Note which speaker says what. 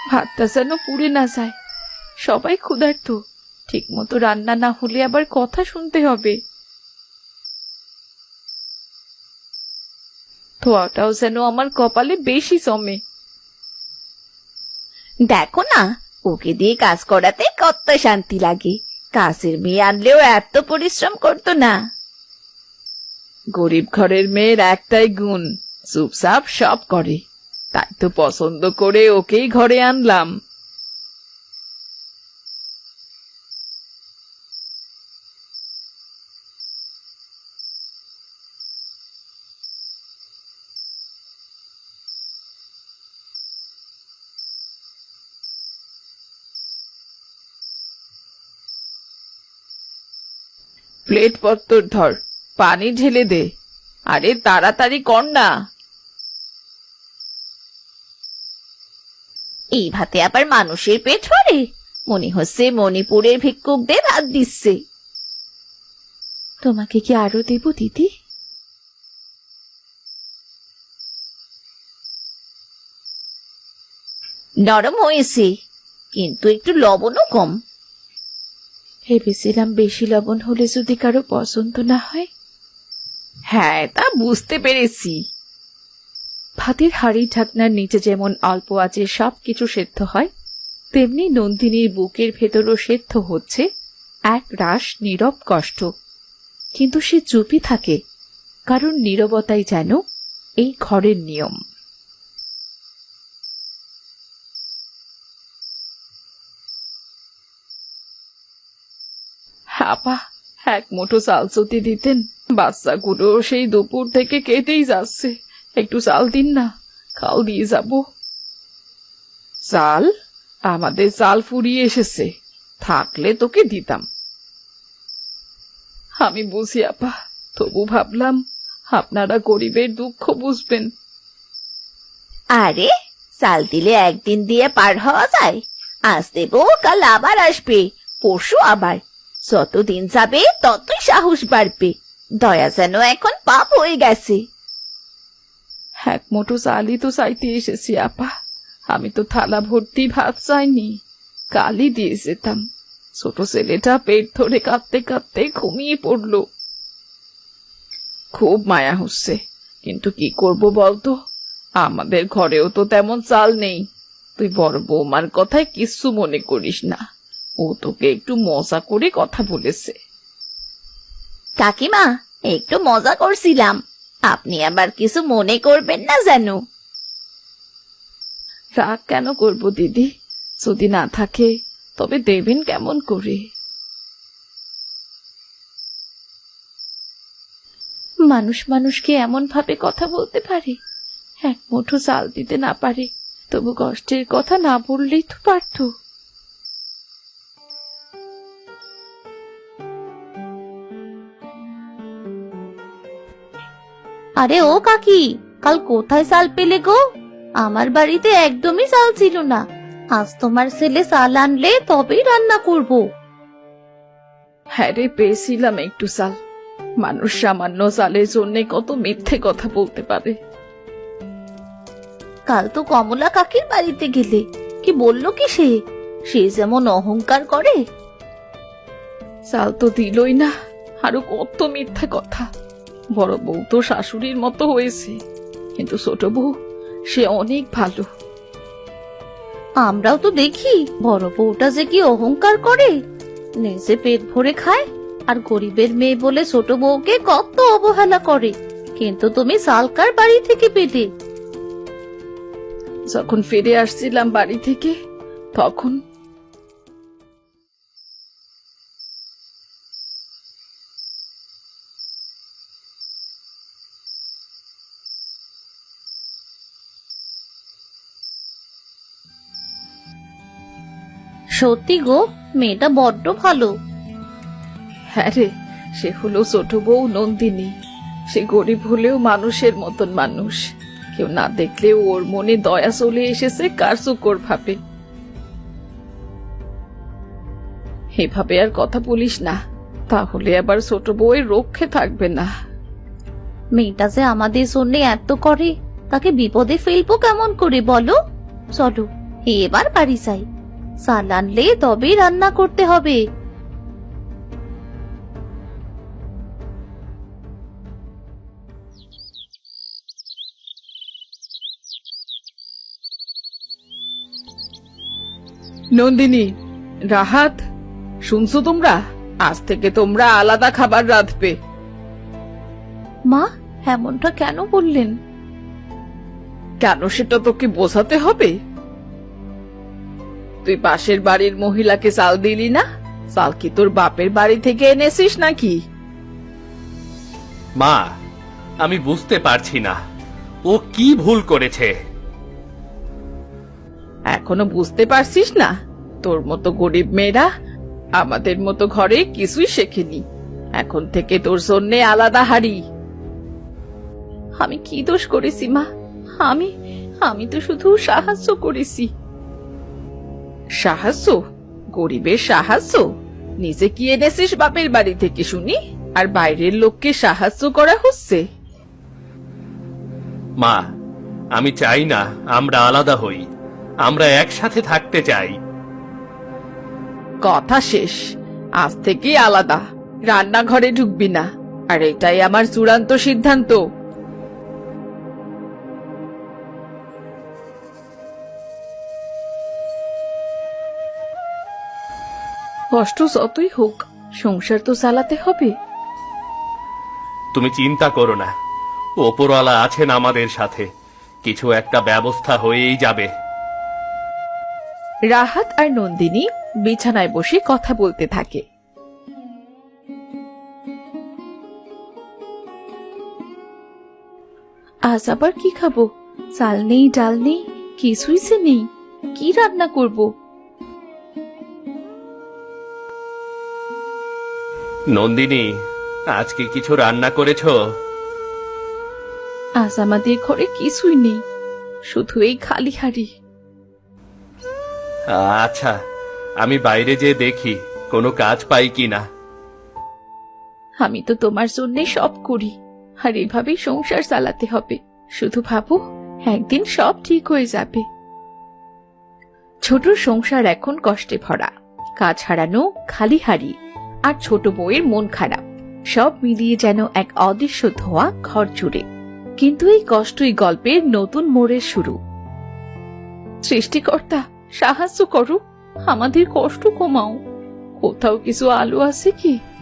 Speaker 1: ভাতটা যেন পুড়ে না যায়। সবাই ক্ষুধার্ত, ঠিক মতো রান্না না হলে আবার কথা শুনতে হবে। ধোয়াটাও যেন আমার কপালে বেশি জমে।
Speaker 2: দেখো না, ওকে দিয়ে কাজ করাতে কত শান্তি লাগে। কাজের মেয়ে আনলেও এত পরিশ্রম করতো না।
Speaker 1: গরিব ঘরের মেয়ের একটাই গুণ, চুপচাপ সব করে। তাই তো পছন্দ করে ওকেই ঘরে আনলাম। প্লেট পত্তর ধর, পানি ঢেলে দে। আরে তাড়াতাড়ি কর না।
Speaker 2: এই ভাতে আবার মানুষের পেট ভরে? মনে হচ্ছে মণিপুরের ভিক্ষুকদের ভাত দিচ্ছে।
Speaker 1: তোমাকে কি আরো দেব দিদি?
Speaker 2: নরম হয়েছে, কিন্তু একটু লবণও কম।
Speaker 1: ভেবেছিলাম বেশি লবণ হলে যদি কারো পছন্দ না হয়। হ্যাঁ, তা বুঝতে পেরেছি। ভাতের হাঁড়ি ঢাকনার নিচে যেমন অল্প আঁচে সবকিছু সেদ্ধ হয়, তেমনি নন্দিনীর বুকের ভেতরও সেদ্ধ হচ্ছে এক রাশ নীরব কষ্ট। কিন্তু সে চুপই থাকে, কারণ নীরবতাই যেন এই ঘরের নিয়ম। আপা, এক মুঠো চাল যদি দিতেন। বাচ্চাগুলো সেই দুপুর থেকে কেটেই যাচ্ছে, একটু চাল দিন না, খাল দিয়ে যাব। চাল? আমাদের চাল ফুরিয়ে এসেছে, থাকলে তোকে দিতাম। আমি বুঝি আপা, তবু ভাবলাম আপনারা গরিবের দুঃখ বুঝবেন।
Speaker 2: আরে, চাল দিলে একদিন দিয়ে পার হওয়া যায়? আজ দেবো, কাল আবার আসবে, পরশু আবার। যতদিন যাবে ততই সাহস বাড়বে। দয়া যেন এখন পাপ হয়ে গেছে।
Speaker 1: এক মুঠো চালই তো চাইতে এসেছি আপা। আমি তো থালা ভর্তি ভাত চাইনি, কালই দিয়ে যেতাম। ছোট ছেলেটা পেট ধরে কাঁদতে কাঁদতে ঘুমিয়ে পড়ল। খুব মায়া হচ্ছে, কিন্তু কি করব বলতো? আমাদের ঘরেও তো তেমন চাল নেই। তুই বড় বৌমার কথায় কিচ্ছু মনে করিস না, ও তোকে একটু মজা করে কথা বলেছে।
Speaker 2: কাকিমা, একটু মজা করছিলাম, আপনি আবার কিছু মনে করবেন না যেন।
Speaker 1: রাগ কেন করব দিদি? যদি না থাকে তবে দেবেন কেমন করে? মানুষ মানুষকে এমন ভাবে কথা বলতে পারে? এক মুঠো চাল দিতে না পারে, তবু কষ্টের কথা না বললেই তো পারত।
Speaker 2: আরে ও কাকি, কাল কোথায় চাল পেলে গো? আমার বাড়িতে একদমই চাল ছিল না। আজ তোমার ছেলে চাল আনলে তবেই রান্না করব।
Speaker 1: হ্যাঁ রে, পেয়েছিলাম একটু চাল। মানুষ সামান্য চালের জন্য কত মিথ্যে কথা বলতে পারে।
Speaker 2: কাল তো কমলা কাকির বাড়িতে গেলে, কি বললো কি সে? সে যেমন অহংকার করে।
Speaker 1: চাল তো দিলই না, আরো কত মিথ্যা কথা। বড় বউ তো শাশুড়ির মতো হয়েছে, কিন্তু ছোট বউ সে অনেক ভালো।
Speaker 2: আমরাও তো দেখি বড় বউটা যে কি অহংকার করে, নিজে পেট ভরে খায়, আর গরিবের মেয়ে বলে ছোট বউকে কত অবহেলা করে। কিন্তু তুমি সালকার বাড়ি থেকে পেলে।
Speaker 1: যখন ফিরে আসছিলাম বাড়ি থেকে, তখন
Speaker 2: সত্যি গো, মেয়েটা বড্ড ভালো।
Speaker 1: হ্যাঁ রে, সে হলো ছোট বউ নন্দিনী। সে গরিব হলেও মানুষের মতন মানুষ। কেউ না দেখলেও ওর মনে দয়া চলে এসেছে কার্যকর ভাবে। এভাবে আর কথা বলিস না, তাহলে আবার ছোট বউয়ের রক্ষে থাকবে না।
Speaker 2: মেয়েটা যে আমাদের জন্য এত করে, তাকে বিপদে ফেলবো কেমন করে বলো? চলো এবার বাড়ি যাই, চাল আনলে তবেই রান্না করতে হবে।
Speaker 1: নন্দিনী, রাহাত, শুনছো তোমরা? আজ থেকে তোমরা আলাদা খাবার রাঁধবে।
Speaker 2: মা, এমনটা কেন বললেন?
Speaker 1: কেন সেটা তোকে বোঝাতে হবে? তুই পাশের বাড়ির মহিলাকে চাল দিলি না? চাল কি তোর বাপের বাড়ি থেকে এনেছিস নাকি?
Speaker 3: মা, আমি বুঝতে পারছি না ও কি ভুল করেছে।
Speaker 1: এখনো বুঝতে পারছিস না? তোর মতো গরিব মেয়েরা আমাদের মতো ঘরে কিছুই শেখেনি। এখন থেকে তোর জন্যে আলাদা হাড়ি। আমি কি দোষ করেছি মা? আমি তো শুধু সাহায্য করেছি। সাহায্য? গরিবের সাহায্য? নিজে কি এনেছিস বাপের বাড়ি থেকে শুনি, আর বাইরের লোককে সাহায্য করা হচ্ছে?
Speaker 3: মা, আমি চাই না আমরা আলাদা হই, আমরা একসাথে থাকতে চাই।
Speaker 1: কথা শেষ। আজ থেকে আলাদা, রান্নাঘরে ঢুকবি না, আর এটাই আমার চূড়ান্ত সিদ্ধান্ত। কষ্ট যতই হোক, সংসার তো চালাতে হবে।
Speaker 3: তুমি চিন্তা করো না, ওপরওয়ালা আছেন আমাদের সাথে, কিছু একটা ব্যবস্থা হয়েই যাবে।
Speaker 1: রাহাত আর নন্দিনী বিছানায় বসে কথা বলতে থাকে। আজ আবার কি খাবো? চাল নেই, ডাল নেই, কিছুই সে নেই। কি রান্না করব?
Speaker 3: নন্দিনী, আজকে কিছু রান্না করেছো?
Speaker 1: আজ আমাদের ঘরে কিছুই নেই, শুধু এই খালি হাড়ি।
Speaker 3: আচ্ছা, আমি বাইরে যেয়ে দেখি কোনো কাজ পাই কিনা।
Speaker 1: আমি তো তোমার জন্য সব করি, আর এভাবেই সংসার চালাতে হবে। শুধু ভাবো, একদিন সব ঠিক হয়ে যাবে। ছোট সংসার এখন কষ্টে ভরা, কাজ হারানো, খালি হাড়ি, আর ছোট বউয়ের মন খারাপ, সব মিলিয়ে যেন এক অদৃশ্য ধোঁয়া ঘর জুড়ে। কিন্তু এই কষ্টই গল্পের নতুন মোড়ের শুরু। সৃষ্টিকর্তা, সাহায্য করো, আমাদের কষ্ট কমাও। কোথাও কিছু আলো আছে কি?